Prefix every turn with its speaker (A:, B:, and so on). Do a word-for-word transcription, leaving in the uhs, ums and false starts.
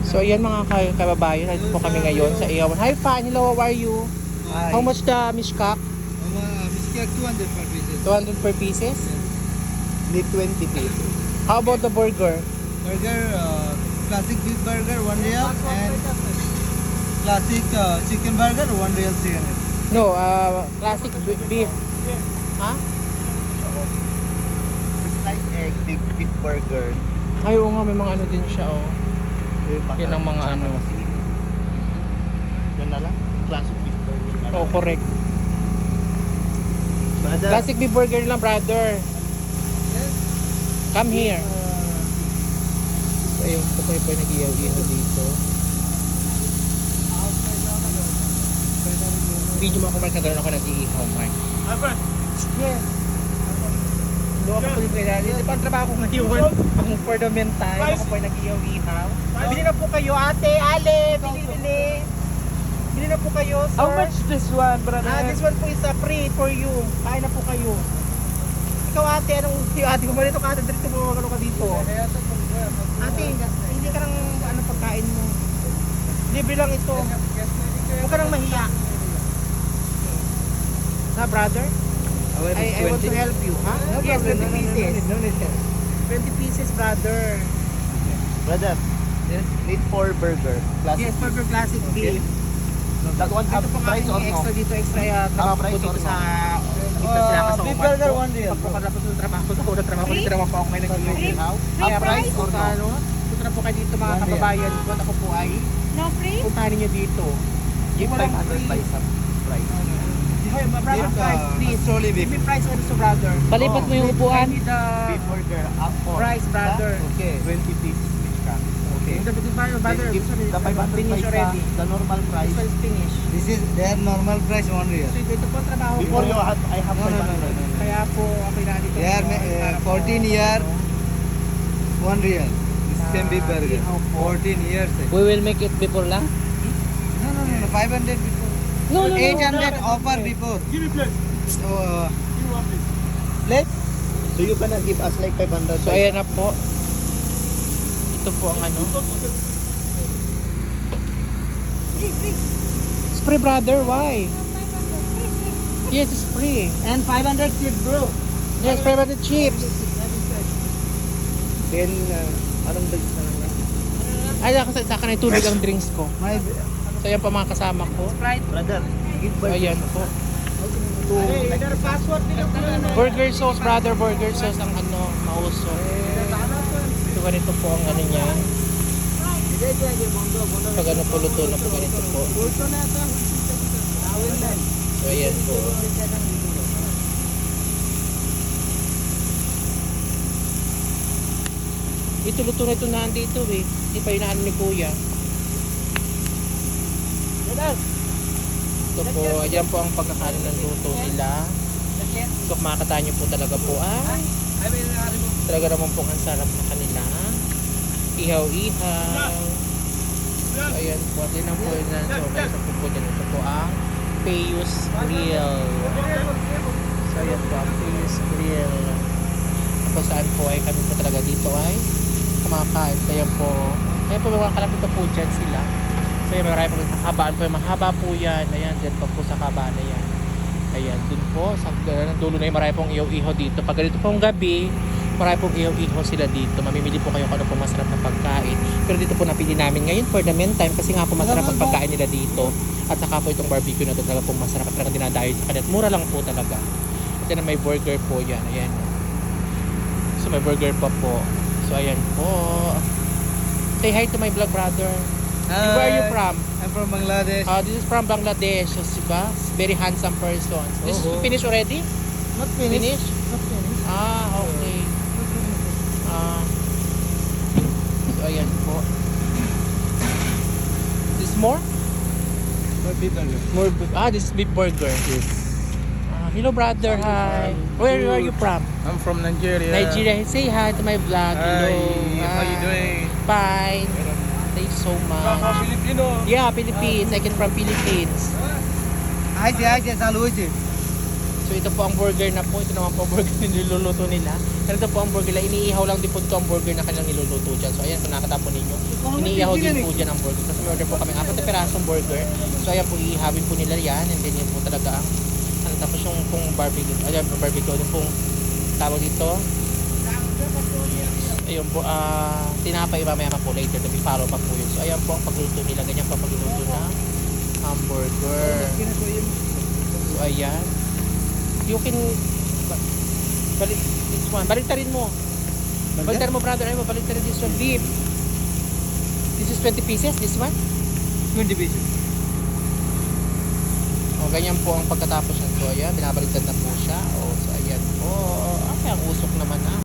A: So ayan mga ka- kababayan, ito po kami ngayon sa Ihawan. Hi Fan, hello, how are you?
B: Hi.
A: How much the mishkak?
B: Um, uh, Mishkak two hundred per pieces.
A: two hundred per pieces?
B: Need twenty pieces.
A: How about the burger?
B: Burger, uh, classic beef burger, one real, and classic uh, chicken burger, one real chicken.
A: No, uh, classic b- beef. Ha?
B: Slice egg, big beef burger.
A: Ay, oo nga, may mga ano din siya, oh. Yan ang mga ano.
B: Yan na lang, classic beef burger.
A: Oo, correct.
B: Brother,
A: Classic beef burger lang, brother. Come here. So, ayun, ito po yung nag-iyaw-iyaw dito. Video mo ako, Mark, na gano'n ako nag-iihaw, Mark. Yes. Doon ako po yung kailangan. Hindi pa ang trabaho ko ngayon. Ang for the meantime, ako po yung nag-iyaw-ihaw. Bili na po kayo, ate, ale, bili, bili. Bili na po kayo, sir.
C: How much this one, brother?
A: Ah, this one po is a free for you. Kain na po kayo. Ikaw ate, anong yung ate? Kumalito ka ate, dito mo, ano ka dito? Ate, hindi ka nang ano pagkain mo. Libre lang ito. Huwag ka nang mahiya. Ha, brother? I, I want to help you, ha?
B: No
A: Yes,
B: problem.
A: twenty
B: No, no, no,
A: pieces.
B: no, no, no, no.
A: twenty pieces, brother.
B: Brother, need four burger. Classic.
A: Yes, burger classic beef.
B: That one have
A: Ito po nga
B: price or
A: yung
B: no?
A: extra dito, extra uh, trabaho ko
B: price
A: dito
B: or
A: sa dito
B: Uh,
A: sila sa
B: beef
A: umat
B: burger,
A: ko.
B: one real.
A: Pagkakatapos ng trabaho ko, ako nagtrabaho ko, dito naman po ako may nag-iihaw.
B: Free
A: Kaya
B: price
A: po
B: or
A: sa
B: no?
A: ano, punta na po kayo dito mga
B: One real.
A: kababayan ko at ako po ay
D: No free?
A: puntahan ninyo dito.
B: Give
A: Walang
B: five hundred
A: free.
B: by some price.
A: Hey, my brother,
B: Beef, uh,
A: price, please.
B: solely
A: Give
B: beef.
A: me price also, brother.
C: Palipat mo yung
A: I
C: upuan.
A: need the
B: Beef burger up for
A: price, brother.
B: Okay. twenty pieces each cup. Okay.
A: The the brother, brother,
B: Then give
A: this one is
B: the five hundred
A: finish
B: paisa,
A: already.
B: the normal price.
A: This one is finished.
B: This is their normal price one real.
A: So ito, ito po ang trabaho ko.
B: Before you have, I have
A: No, no, no,
B: five
A: no,
B: hundred.
A: no, no. Kaya po ako nandito.
B: They are
A: ngayon
B: uh,
A: para po,
B: fourteen year,
A: ano,
B: one real. This
A: Ah,
B: same beef burger.
A: ihaw po.
B: fourteen years. eh.
C: We will make it before lang.
B: No, no, no, no. five hundred before.
C: No, no, no.
B: eight hundred offer before. Give me plate. So, uh, give me one plate. Plate? So you gonna give us like five hundred.
A: So ayan na po. Ito po ang ano. Spray, brother, why? Yes, it's free.
B: And five hundred tip bro.
A: Yes, spray by the chips.
B: Then, uh, anong dags na lang?
A: Ay, sa sa akin ay tubig ang drinks ko.
B: My
A: So ayan pa mga kasama ko.
B: brother, give
A: So
B: by
A: ayan po. Burger sauce, brother, burger sauce ang ano, mauso. So ganito po ang ano niya. Pag ano po luto na po ganito po. So ayan po. Ito luto na ito na dito eh. Hindi pa inaan ni kuya. Ito po, ayan po ang pagkakain ng luto nila. So makakataan nyo po talaga po ay talaga naman po ang sarap na kanila. Ihaw-ihaw. So ayan po, at yun ang po yun na so may isa po po dyan. Ito po ang Payus Grill. So ayan po ang Payus Grill. Kung saan po ay kami po talaga dito ay kumakain. So ayan po, ayan po mga kalapit na po dyan sila. So ayan, marami po kakabaan po. Mahaba po yan. Ayan, dyan pa po sa kabaan na yan. Ayan, dun po. Sa dulo na yung marami pong ihaw-ihaw dito. Pag ganito pong gabi, marami pong ihaw-ihaw sila dito. Mamimili po kayo kung ano pong masarap na pagkain. Pero dito po napili namin ngayon for the meantime kasi nga po masarap ang pagkain nila dito. At saka po itong barbecue na ito talaga pong masarap at talagang dinadayo sa kanila. At mura lang po talaga. At yan may burger po yan. Ayan. So may burger pa po. So ayan po. Say hi to my vlog brother. Where are you from?
B: I'm from Bangladesh.
A: Uh, this is from Bangladesh. So, diba? Very handsome person. This is
B: Oh.
A: finished already?
B: Not finished.
A: Finish?
B: Not finished.
A: Ah, okay. Ah. So, ayan po. This more?
B: More beef burger.
A: More beef. Ah, this is beef burger.
B: Yes.
A: Ah, hello, brother. Hi. Where are you from?
B: I'm from Nigeria.
A: Nigeria. Say hi to my vlog. Hello.
B: Hi. How you
A: Ah,
B: doing?
A: Fine. Thank you so much.
B: Filipino.
A: Yeah, Philippines. I came from Philippines.
B: Hi, hi, hi, salu hoyche.
A: So ito po ang burger na po. Ito naman po ang burger na niluluto nila. Pero ito po ang burger nila. Iniihaw lang din po ito ang burger na kanilang niluluto dyan. So ayan, kung nakatapon ninyo. Iniihaw din po dyan ang burger. Tapos may order po kami apat na pirasong burger. So ayan po, iihawin po nila yan. And then yun po talaga ang ano, tapos yung pong barbecue. Ayan, barbecue. Yung pong tawag dito. Ayun po, ah, tinapay mamaya pa po later. Tabi follow pa po yun. So ayan po ang pagluto nila. Ganyan po ang pagluto ng hamburger. So ayan. You can ba- balik this one. Baliktarin mo. Baliktarin mo brother. Ay mo baliktarin this one. Beef. This is twenty pieces. This one.
B: twenty pieces.
A: O ganyan po ang pagkatapos nito. Ayan. Binabaliktad na po siya. O so ayan po. Ay ang usok naman ah.